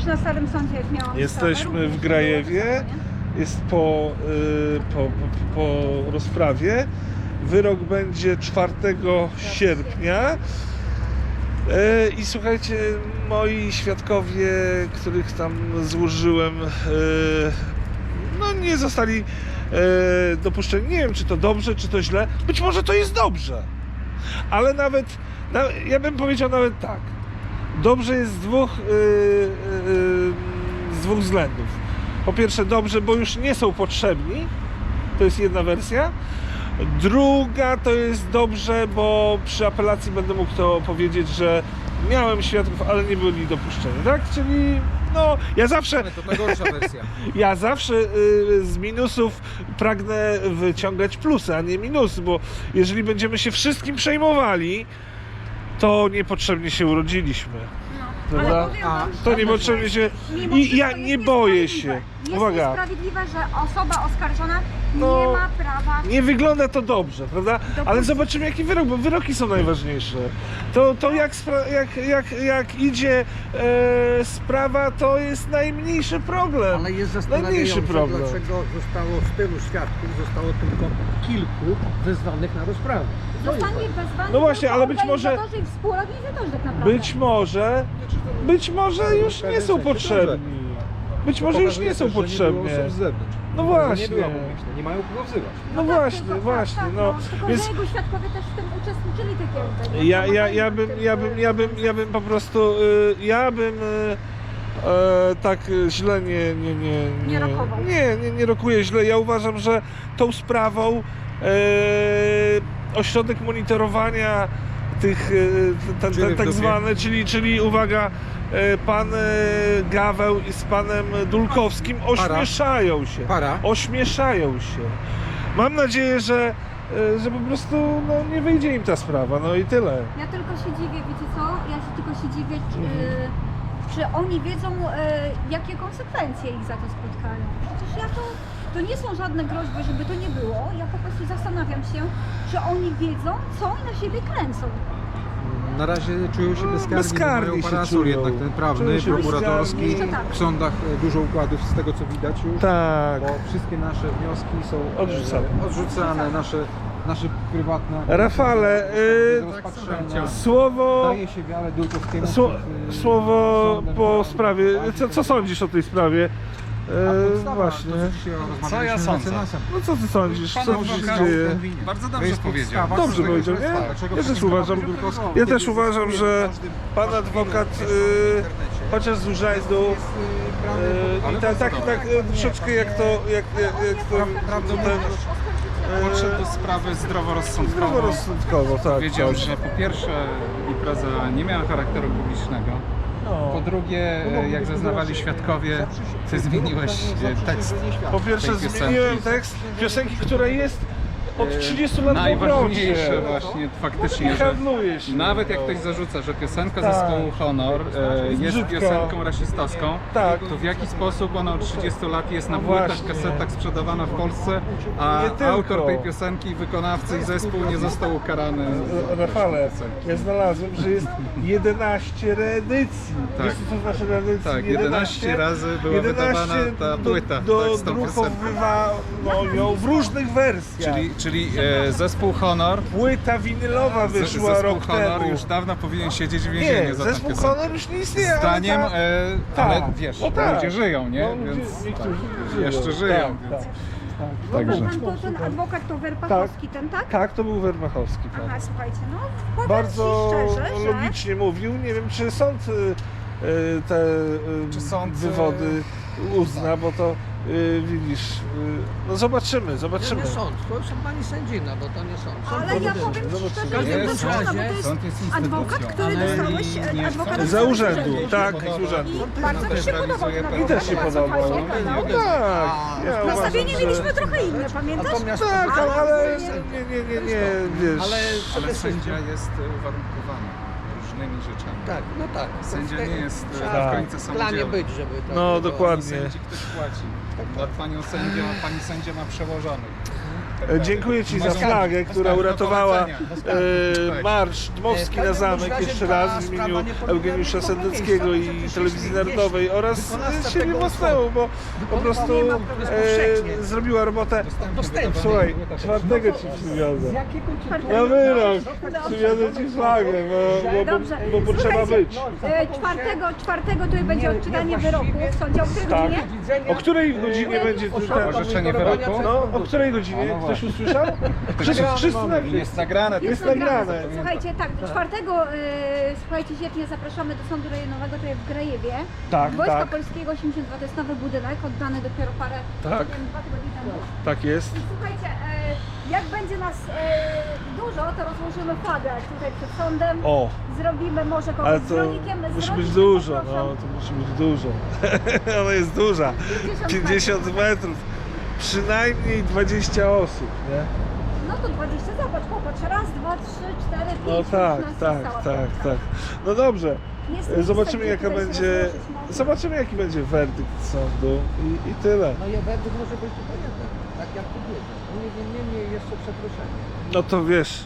na Starym Sądzie, jak miałam Jesteśmy sprawę, w Grajewie, jest po rozprawie. Wyrok będzie 4 sierpnia. I słuchajcie, moi świadkowie, których tam złożyłem, no nie zostali dopuszczeni. Nie wiem, czy to dobrze, czy to źle. Być może to jest dobrze. Ale ja bym powiedział nawet tak. Dobrze jest z dwóch względów. Po pierwsze dobrze, bo już nie są potrzebni. To jest jedna wersja. Druga to jest dobrze, bo przy apelacji będę mógł to powiedzieć, że miałem świadków, ale nie byli dopuszczeni, tak? Czyli no, ja zawsze... Ale to najgorsza wersja. Ja zawsze z minusów pragnę wyciągać plusy, a nie minusy, bo jeżeli będziemy się wszystkim przejmowali, to niepotrzebnie się urodziliśmy. No, ale Prawda? powiem wam, To że niepotrzebnie się... mimo I wszystko ja jest nie boję się. niesprawiedliwe. Jest Uwaga. niesprawiedliwe, że osoba oskarżona No, nie ma prawa... Nie wygląda to dobrze, prawda? Ale zobaczymy jaki wyrok, bo wyroki są najważniejsze. To jak idzie sprawa, to jest najmniejszy problem. Ale jest Najmniejszy zastanawiające, problem. dlaczego zostało z tylu świadków, zostało tylko kilku wezwanych na rozprawę. Zostanie wezwany No właśnie, tylko ale być może- organizatorzy i współorganizatorzy tak naprawdę. Być może już nie są potrzebni. Być może już nie są potrzebni. Nie było osób z zewnątrz. No Nie właśnie. była publiczna, nie mają kogo wzywać. No tak, właśnie, tylko- właśnie. tak, No. Tylko, Więc że jego świadkowie też w tym uczestniczyli takiego. Ja bym po prostu, tak źle Nie rokował. nie rokuję źle. Ja uważam, że tą sprawą ośrodek monitorowania tych tak zwane, czyli uwaga, pan Gaweł z panem Dulkowskim ośmieszają się. Ośmieszają się. Mam nadzieję, że po prostu nie wyjdzie im ta sprawa, no i tyle. Ja tylko się dziwię, wiecie co? Ja się tylko się dziwię, czy oni wiedzą, jakie konsekwencje ich za to spotkają. Przecież to nie są żadne groźby, żeby to nie było. Ja po prostu zastanawiam się, czy oni wiedzą, co oni na siebie kręcą. Na razie czują się bezkarni, bezkarni mają się parasol czują. jednak ten prawny, Czują się prokuratorski. bezkarni. Jeszcze tak. W sądach dużo układów z tego co widać już. Tak. Bo wszystkie nasze wnioski są Odrzucane. nasze prywatne. Rafale, do rozpatrzenia. słowo Daje się wiarę Dulkowskiemu. słowo przed po sądem, sprawie. przed Co sądzisz o tej sprawie? Właśnie. Co ja sądzę? No co ty sądzisz? Pan Co tu się adwokat dzieje? bardzo dobrze powiedział. Dobrze powiedział, nie? Ja też uważam, że pan adwokat, chociaż z urzędu, i tak troszeczkę jak to Podszedł do sprawy zdroworozsądkowo. zdroworozsądkowo, tak. Powiedział, że po pierwsze impreza nie miała charakteru publicznego. Po drugie, jak zeznawali świadkowie, ty zmieniłeś tekst Po pierwsze tej piosenki. zmieniłem tekst piosenki, która jest od 30 lat w Najważniejsze obrocie. właśnie faktycznie, że Handluje się. nawet jak ktoś zarzuca, że piosenka Tak. zespołu Honor jest Brzydka. piosenką rasistowską, Tak. to w jaki sposób ona od 30 lat jest na No płytach, właśnie. kasetach sprzedawana w Polsce, a Nie tylko. autor tej piosenki, wykonawcy i zespół nie został ukarany? Rafale, ja znalazłem, że jest 11 reedycji. Tak. Wiesz co to znaczy reedycji? Tak, 11 razy była wydawana ta płyta z tą piosenką. Dodrukowywano ją w różnych wersjach. Czyli zespół Honor, Płyta winylowa wyszła zespół rok Honor temu. już dawno powinien siedzieć w więzieniu Nie, za tę zespół piosenkę. Honor już nie istnieje. ale Zdaniem, tak. ale wiesz, No tak. ludzie żyją, nie? No, Więc niektórzy tak, żyją. jeszcze żyją. Tak, Więc... Także. Pan to ten adwokat to Werpachowski, ten tak? Tak, to był Wermachowski. Tak. Aha, słuchajcie, no powiem Bardzo ci szczerze, że... logicznie mówił. Nie wiem, czy sąd te Czy sąd, wywody uzna, bo to widzisz, no zobaczymy. To nie sąd, to są pani sędzina, bo to nie sąd. Sąd Ale ja powinien- powiem ci szczerze, każdym że jestem razie zdziwiona, bo to jest sąd jest adwokat, instytucją. który Ale dostałeś, nie adwokat sąd. Za urzędu, tak, podoba. z urzędu. I bardzo mi się podobał. realizuje I też się podobał. No tak, ja Nastawienie uważam, że... mieliśmy trochę inne, pamiętasz? Natomiast Tak, ale nie, wiesz. Ale sędzia jest uwarunkowany różnymi rzeczami. Tak, no tak. Sędzia nie jest Tak. w końcu W planie samodzielny. być, żeby tak No było. dokładnie. Sędzi ktoś płaci. Pani sędzia ma przełożonych. Dziękuję Ci za Bez flagę, karty, która bez uratowała karty, bez karty. Marsz Dmowski na zamek jeszcze raz w imieniu Eugeniusza Sendeckiego i Telewizji Narodowej oraz siebie własnemu, bo po prostu zrobiła robotę. Słuchaj, 4 Ci przywiozę. Na wyrok przywiozę Ci flagę, bo potrzeba być. Czwartego tutaj będzie odczytanie wyroku w sądzie. O której Tak. godzinie? O której godzinie będzie tutaj? Orzeczenie wyroku? No, o której godzinie? Ktoś usłyszał? Wszyscy Jest nagrane. Jest nagrane. Słuchajcie, tak, 4 sierpnia zapraszamy do Sądu Rejonowego tutaj w Grajewie. Tak, Wojska tak. Polskiego 82, to jest nowy budynek, oddany dopiero parę, Tak. nie wiem, 2 tygodnie temu. Tak jest. I słuchajcie, jak będzie nas dużo, to rozłożymy flagę tutaj przed sądem. O, Zrobimy może kogoś ale z to rolnikiem. musi być dużo, no to musi być dużo. Ona jest duża. 50 metrów. Przynajmniej 20 osób, nie? No to 20, zobacz, popatrz, raz, 2, 3, 4, 5, No tak, nas tak, została tak, piątka. tak. No dobrze. Jest miejsce, Zobaczymy gdzie jaka tutaj się będzie. rozłożyć można. Zobaczymy jaki będzie werdykt sądu i tyle. No i werdykt może być tylko jeden, tak jak tu wiedział. Niemniej jeszcze przeproszenie. No to wiesz,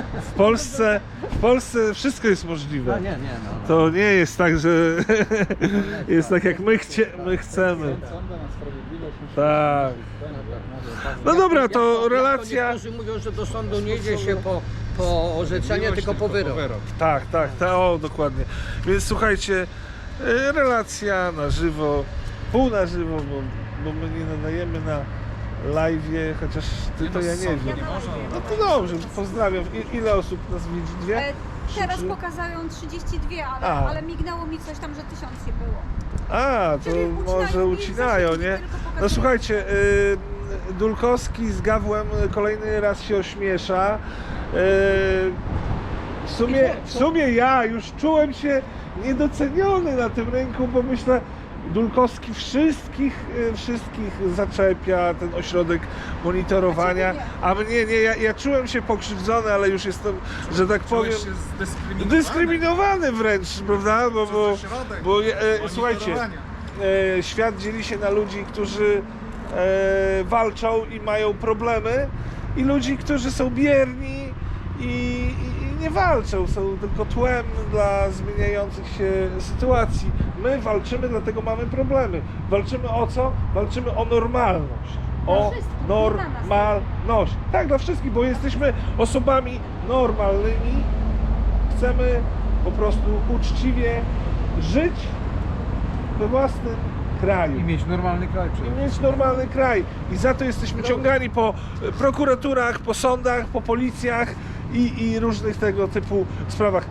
w Polsce wszystko jest możliwe. No. To nie jest tak, że jest tak jak my chcemy. Sądem na sprawiedliwość musi Tak. No dobra, to relacja. Niektórzy mówią, że do sądu nie idzie się po orzeczenie, tylko po wyrok. Tak, o dokładnie. Więc słuchajcie, relacja na żywo, pół na żywo, bo my nie nadajemy na live'ie, chociaż ty to ja nie wiem. Nie można. No to dobrze, pozdrawiam. Ile osób nas widzi? Dwie? Teraz Trzy? pokazują 32, A. ale mignęło mi coś tam, że 1000 nie było. A, to Czyli ucinają może mi ucinają, zasięgi, nie? tylko pokazują. No słuchajcie, Dulkowski z Gawłem kolejny raz się ośmiesza. W sumie ja już czułem się niedoceniony na tym rynku, bo myślę, Dulkowski wszystkich zaczepia, ten ośrodek monitorowania, a mnie nie, ja czułem się pokrzywdzony, ale już jestem, że tak powiem, Czułeś się zdyskryminowany. dyskryminowany wręcz, prawda? Co za środek Słuchajcie, monitorowania. świat dzieli się na ludzi, którzy walczą i mają problemy, i ludzi, którzy są bierni i nie walczą, są tylko tłem dla zmieniających się sytuacji. My walczymy, dlatego mamy problemy. Walczymy o co? Walczymy o normalność. O wszystkich, nie dla nas. normalność. Tak, dla wszystkich, bo jesteśmy osobami normalnymi. Chcemy po prostu uczciwie żyć we własnym kraju. I mieć normalny kraj przede I wszystkim. mieć normalny kraj. I za to jesteśmy ciągani po prokuraturach, po sądach, po policjach i różnych tego typu sprawach.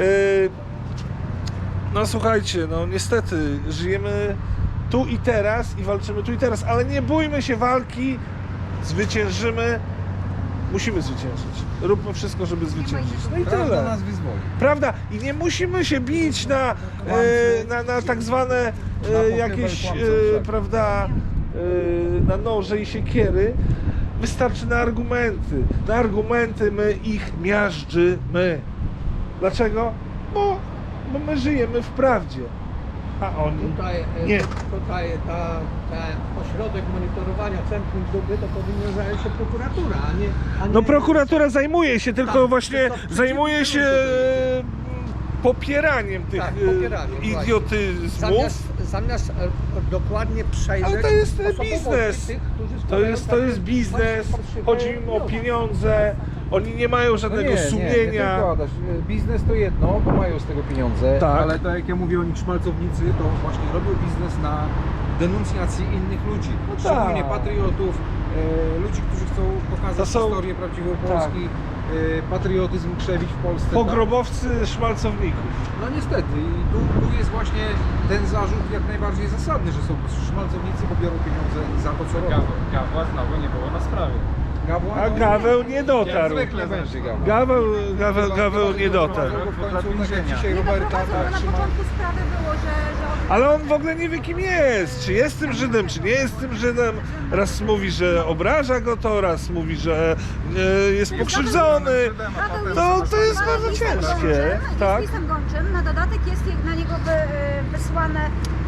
No słuchajcie, no niestety żyjemy tu i teraz i walczymy tu i teraz, ale nie bójmy się walki, zwyciężymy, musimy zwyciężyć. Róbmy wszystko, żeby zwyciężyć. No i Prawda tyle. nas wyzwoli. Prawda? I nie musimy się bić na tak zwane jakieś, prawda, na noże i siekiery. Wystarczy na argumenty. Na argumenty my ich miażdżymy. Dlaczego? Bo my żyjemy w prawdzie. A oni nie. Tutaj ten ośrodek monitorowania Centrum Duby to powinna zająć się prokuratura, a nie... No prokuratura zajmuje się, tylko Tak, właśnie tylko zajmuje się popieraniem tych Tak, popieraniem, właśnie. idiotyzmów. Zamiast dokładnie przejrzeć Ale to jest osobowości biznes. tych, którzy To składają jest takie biznes, fałszywe chodzi im o wnioski. pieniądze, oni nie mają żadnego Nie sumienia. tylko, Adaś. Biznes to jedno, bo mają z tego pieniądze, Tak. ale tak jak ja mówię, oni szmalcownicy to właśnie robią biznes na denuncjacji innych ludzi, szczególnie tak. patriotów, ludzi, którzy chcą pokazać To są- historię prawdziwą Polski, patriotyzm krzewić w Polsce. Pogrobowcy szmalcowników. Tak? No niestety i tu jest właśnie ten zarzut jak najbardziej zasadny, że są szmalcownicy, bo biorą pieniądze za to, co robią. Gawła znowu nie było na sprawie. Gawła? A Gaweł nie dotarł. Jak zwykle będzie Gawła. Gaweł nie dotarł. W końcu tak jak dzisiaj Nie, no Roberta prowadzą, bo tak na trzyma. początku sprawy było, że Ale on w ogóle nie wie kim jest, czy jest tym Żydem, czy nie jest tym Żydem. Raz mówi, że obraża go to, raz mówi, że jest pokrzywdzony. To jest bardzo ciężkie, tak? Jest listem gończym, na dodatek jest na niego wysłane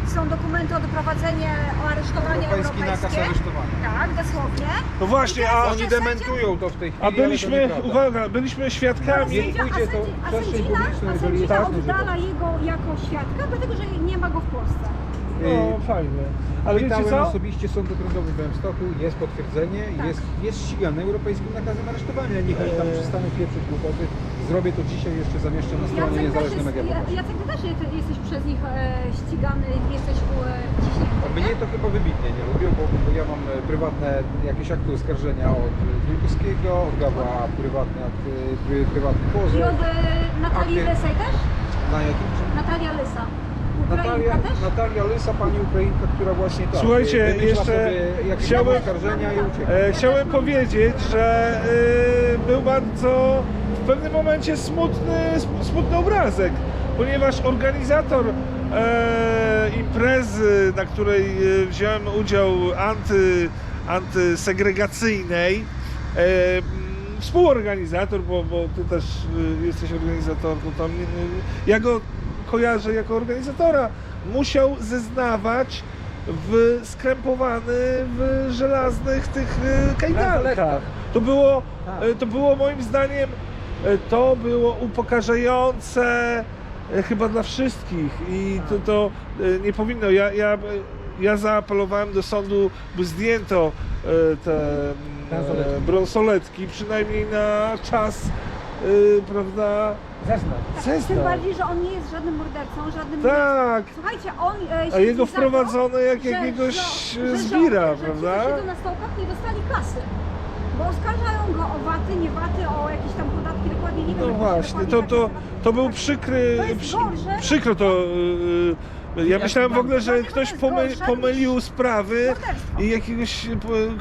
są dokumenty o doprowadzenie, o aresztowanie Europejski nakaz europejskie. aresztowania. Tak, dosłownie. No właśnie, I teraz a Oni jeszcze dementują to w tej chwili, A ale to byliśmy, nieprawda. uwaga, byliśmy świadkami. Nie pójdzie to a przestrzeń sędzina, publiczną, a jeżeli jest sędzina jasne, że oddala jego jako świadka, dlatego że nie ma go w Polsce. No fajnie. Ale wiecie Pytałem co? osobiście Sąd Okręgowy w Białymstoku, jest potwierdzenie, Tak. jest ścigany europejskim nakazem aresztowania. Niech oni tam przestaną pieprzyć głupoty. Zrobię to dzisiaj, jeszcze zamieszczę na stronie Niezależne Media Polskie. Jacek, ty też jesteś przez nich ścigany, jesteś ciśnięty, nie? Mnie to chyba wybitnie nie lubią, bo ja mam prywatne jakieś akty oskarżenia od Wielkowskiego, od Gawła prywatny pozew. I od Natalii Akty- Lysej też? Na jakim? Natalia Lysa. Ukrainka też? Natalia Lysa, pani Ukrainka, która właśnie tak. Słuchajcie, wymyśla jeszcze sobie jakieś chciałem- oskarżenia i ucieka. Chciałem powiedzieć, że był bardzo w pewnym momencie smutny obrazek, ponieważ organizator imprezy, na której wziąłem udział antysegregacyjnej, współorganizator, bo ty też jesteś organizatorką, tam, ja go kojarzę jako organizatora, musiał zeznawać skrępowany w żelaznych tych kajdankach. To było moim zdaniem, to było upokarzające chyba dla wszystkich i to nie powinno. Ja zaapelowałem do sądu, by zdjęto te bransoletki, przynajmniej na czas, prawda? Tym bardziej, że on nie jest żadnym mordercą, żadnym... Tak. Słuchajcie, on A siedzi jego za wprowadzono jak to, że jakiegoś że zbira, że ci, prawda? co siedzą na stołkach, nie dostali kasy. Bo oskarżają go o waty, nie waty, o jakieś tam podatki, dokładnie nie wiem. No jak właśnie, się dokładnie to był tak. przykry, To jest gorsze. przykro to. Ja myślałem w ogóle, że to ktoś jest gorsze niż pomylił sprawy morderstwo. i jakiegoś